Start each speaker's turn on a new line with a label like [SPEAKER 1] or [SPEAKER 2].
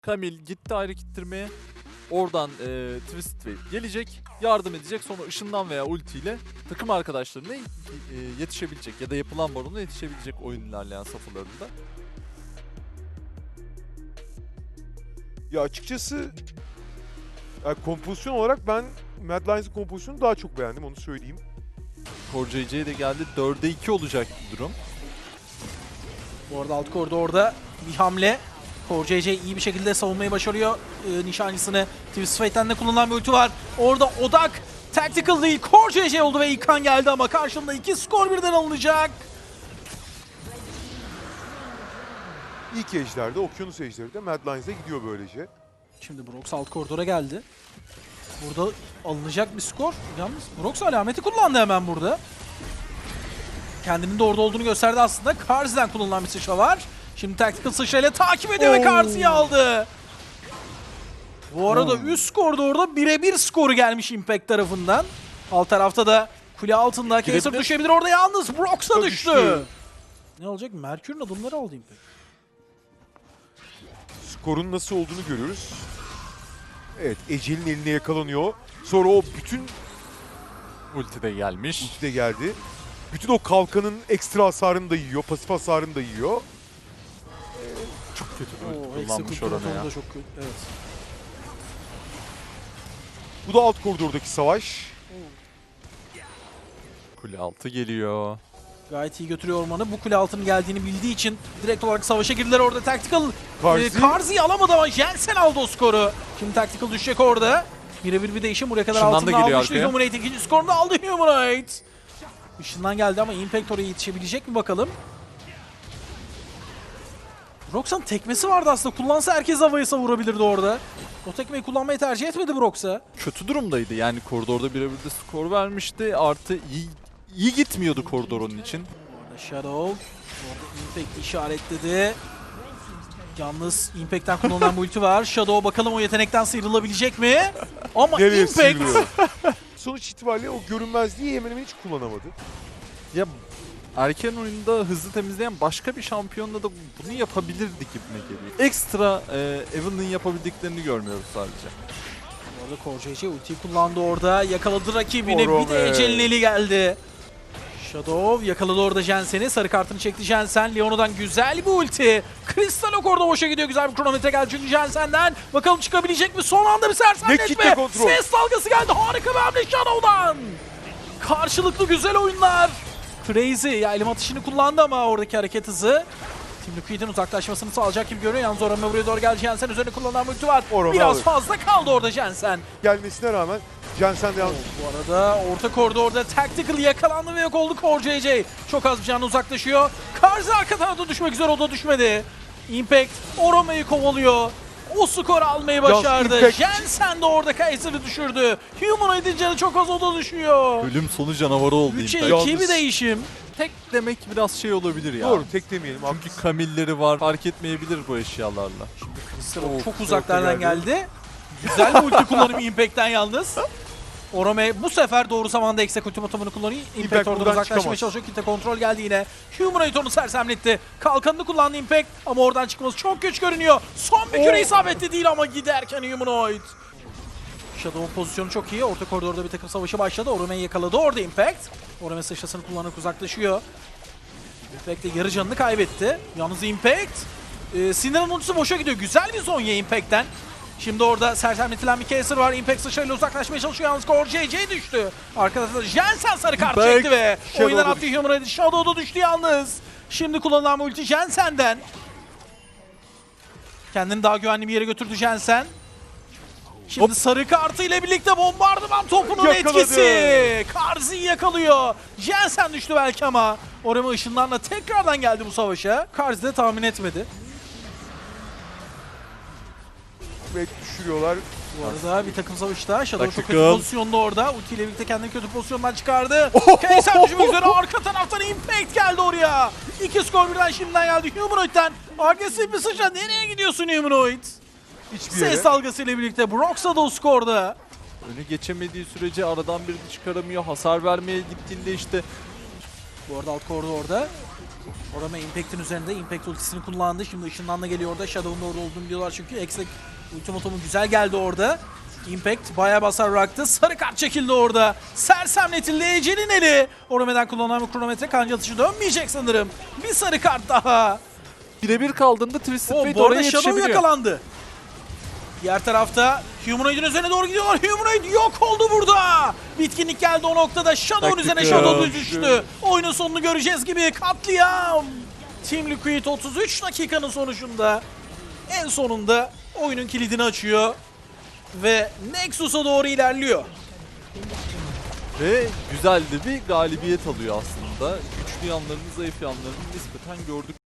[SPEAKER 1] Camille gitti ayrı kittirmeye. Oradan Twisted Wave gelecek, yardım edecek. Sonra ışından veya ultiyle takım arkadaşlarına yetişebilecek ya da yapılan barona yetişebilecek oyun ilerleyen safhalarında.
[SPEAKER 2] Ya açıkçası kompozisyon olarak ben Mad Lions'ın kompozisyonunu daha çok beğendim, onu söyleyeyim.
[SPEAKER 1] Core JJ de geldi. 4'e 2 olacak bir durum.
[SPEAKER 3] Bu arada alt koridorda bir hamle. Core JJ iyi bir şekilde savunmayı başarıyor. Nişancısını Twisted Fate'den de kullanılan bir ulti var. Orada odak tactical değil Core JJ oldu ve ilk kan geldi ama karşında 2 skor birden alınacak.
[SPEAKER 2] İlk ejderde, Okyanus ejderi de Mad Lions'e gidiyor böylece.
[SPEAKER 3] Şimdi Brox alt koridora geldi. Burada alınacak bir skor. Yalnız Brox alameti kullandı hemen burada. Kendinin de orada olduğunu gösterdi aslında. Karzi'den kullanılan bir sıçra var. Şimdi tactical sıçrayla takip ediyor ve Karzi'yi aldı. Bu arada üst koridorda birebir skoru gelmiş Impact tarafından. Alt tarafta da kule altında Kaiser düşebilir orada, yalnız Brox da düştü. Ne olacak? Merkür'ün adımları aldı Impact.
[SPEAKER 2] Skorun nasıl olduğunu görüyoruz. Evet, Ecel'in eline yakalanıyor. Sonra o bütün
[SPEAKER 1] Ulti de gelmiş.
[SPEAKER 2] ulti de geldi. Bütün o kalkanın ekstra hasarını da yiyor, pasif hasarını da yiyor.
[SPEAKER 1] Çok kötü bir ulti
[SPEAKER 3] Oo,
[SPEAKER 1] kullanmış
[SPEAKER 3] Execute
[SPEAKER 1] orana ya.
[SPEAKER 3] butonu da çok kötü. Evet.
[SPEAKER 2] Bu da alt koridordaki savaş.
[SPEAKER 1] Kule altı geliyor.
[SPEAKER 3] Gayet iyi götürüyor ormanı. Bu kule altının geldiğini bildiği için direkt olarak savaşa girdiler orada. Tactical Karzi'yi alamadı ama Jensen aldı o skoru. Şimdi Tactical düşecek orada. Birebir bir değişim. Buraya kadar
[SPEAKER 1] Işından da
[SPEAKER 3] altını
[SPEAKER 1] geliyor
[SPEAKER 3] almıştı.
[SPEAKER 1] arkaya.
[SPEAKER 3] Humanoid ikinci skorunu da aldı Humanoid. Işından geldi ama Impact oraya yetişebilecek mi bakalım. Brox'un tekmesi vardı aslında. Kullansa herkes havayı savurabilirdi orada. O tekmeyi kullanmayı tercih etmedi Brox'a.
[SPEAKER 1] Kötü durumdaydı yani koridorda birebir de skor vermişti. Artı iyi gitmiyordu koridor onun için.
[SPEAKER 3] Orada Shadow. Orada Impact işaretledi. Yalnız Impact'ten kullanılan bu ulti var. Shadow bakalım o yetenekten sıyrılabilecek mi? Ama
[SPEAKER 2] Nereye
[SPEAKER 3] Impact...
[SPEAKER 2] sıyrılıyor? Sonuç itibariyle o görünmezliği hemen hemen hiç kullanamadı.
[SPEAKER 1] Ya erken oyunda hızlı temizleyen başka bir şampiyonla da bunu yapabilirdi gibime geliyor. Ekstra Evelyn'in yapabildiklerini görmüyoruz sadece.
[SPEAKER 3] Orada Core JJ ultiyi kullandı orada. Yakaladı rakibini.
[SPEAKER 2] Orome.
[SPEAKER 3] Bir de Ecel'in eli geldi. Shadow yakaladı orada Jensen'i. Sarı kartını çekti Jensen. Leono'dan güzel bir ulti. Crystal Ok orada boşa gidiyor. Güzel bir kronometre geldi çünkü Jensen'den. Bakalım çıkabilecek mi? Son anda bir
[SPEAKER 2] kitle
[SPEAKER 3] sersemletme.
[SPEAKER 2] kontrol.
[SPEAKER 3] Ses dalgası geldi. Harika bir hamle Shadow'dan. Karşılıklı güzel oyunlar. Crazy ya elim atışını kullandı ama oradaki hareket hızı. Team Liquid'in uzaklaşmasını sağlayacak gibi görünüyor. Yalnız Orome buraya doğru geldi. Jensen üzerine kullanılan bir ulti var.
[SPEAKER 2] Orome
[SPEAKER 3] Biraz
[SPEAKER 2] alır.
[SPEAKER 3] fazla kaldı orada Jensen.
[SPEAKER 2] Gelmesine rağmen Jensen de yalnız
[SPEAKER 3] Bu arada orta koridorda Tactical yakalandı ve yok oldu Core JJ. Çok az bir canla uzaklaşıyor. Karzi arka tarafta düşmek üzere, o da düşmedi. Impact Orome'yi kovalıyor. O skoru almayı başardı.
[SPEAKER 2] Impact-
[SPEAKER 3] Jensen de orada Kaiser'ı düşürdü. Humanoid'in canı çok az, o da düşüyor.
[SPEAKER 1] Ölüm sonu canavarı oldu
[SPEAKER 3] 3'e
[SPEAKER 1] Impact.
[SPEAKER 3] 2 bir değişim.
[SPEAKER 1] Tek demek biraz şey olabilir ya.
[SPEAKER 2] doğru, tek demeyelim.
[SPEAKER 1] Çünkü Camille'leri var. Fark etmeyebilir bu eşyalarla.
[SPEAKER 3] Çok uzaklardan geldi. Güzel bir ulti kullanımı Impact'ten yalnız. Orome bu sefer doğru zamanda Execute ultimatumunu kullanıyor. Impact oradan
[SPEAKER 2] buradan
[SPEAKER 3] uzaklaşmaya
[SPEAKER 2] çıkamaz.
[SPEAKER 3] çalışıyor. Kitle kontrol geldi yine. Humanoid onu sersemletti. Kalkanını kullandı Impact ama oradan çıkması çok güç görünüyor. Son bir küre isabetli değil ama giderken Humanoid. Shadow'un pozisyonu çok iyi. Orta koridorda bir takım savaşı başladı. Orome'yi yakaladı orada Impact. Orome sıçrasını kullanarak uzaklaşıyor. Impact de yarı canını kaybetti. Yalnız Impact Sinir'in ultisi boşa gidiyor. Güzel bir zonya Impact'ten. Şimdi orada sersemletilen bir Kaiser var. Impact sıçrayla uzaklaşmaya çalışıyor. Yalnız Core JJ düştü. Arkada Jensen sarı kart
[SPEAKER 1] Impact,
[SPEAKER 3] çekti ve
[SPEAKER 2] Shadow'da
[SPEAKER 3] oyundan attı
[SPEAKER 2] düştü.
[SPEAKER 3] Humanoid. Shadow'da düştü yalnız. Şimdi kullanılan bir ulti Jensen'den. Kendini daha güvenli bir yere götürdü Jensen. Şimdi sarı kartı ile birlikte bombardıman topunun
[SPEAKER 2] Yakaladı.
[SPEAKER 3] etkisi. Karzi'yi yakalıyor. Jensen düştü belki ama Orama ışınlarla tekrardan geldi bu savaşa. Karzi de tahmin etmedi.
[SPEAKER 2] ve düşürüyorlar.
[SPEAKER 3] Bu arada bir takım savaşta Shadow çok kötü
[SPEAKER 1] Taktikal.
[SPEAKER 3] pozisyonda orada. Ulti ile birlikte kendini kötü pozisyondan çıkardı. Kaiser düşmek üzere, arka taraftan Impact geldi oraya. 2 skor birden şimdiden geldi Humanoid'den. Agresif bir sıçra, nereye gidiyorsun Humanoid?
[SPEAKER 2] Hiçbir yere.
[SPEAKER 3] Ses dalgasıyla birlikte Brox'a da o skorda.
[SPEAKER 1] Önü geçemediği sürece aradan birini çıkaramıyor. Hasar vermeye gittiğinde işte
[SPEAKER 3] Bu arada alt koridorda Orama Impact'in üzerinde. Impact ultisini kullandı. Şimdi ışınlanma geliyor orada. Shadow'un orada olduğunu biliyorlar çünkü. Exec ultimatomu güzel geldi orada. Impact bayağı basar bıraktı. Sarı kart çekildi orada. Sersemletildi Ece'nin eli. Orame'den kullanılan bir kronometre kanca atışı dönmeyecek sanırım. Bir sarı kart daha.
[SPEAKER 1] Birebir kaldığında Twisted Fate
[SPEAKER 3] Bu arada
[SPEAKER 1] oraya
[SPEAKER 3] Shadow
[SPEAKER 1] yetişebiliyor.
[SPEAKER 3] yakalandı. Diğer tarafta Humanoid'in üzerine doğru gidiyorlar. Humanoid yok oldu burada. Bitkinlik geldi o noktada. Shadow'un
[SPEAKER 2] Taktik
[SPEAKER 3] üzerine
[SPEAKER 2] ya.
[SPEAKER 3] Shadow düştü. Oyunun sonunu göreceğiz gibi. Katliam. Team Liquid 33 dakikanın sonucunda en sonunda oyunun kilidini açıyor. Ve Nexus'a doğru ilerliyor.
[SPEAKER 1] Ve güzel de bir galibiyet alıyor aslında. Güçlü yanlarını, zayıf yanlarını nispeten gördük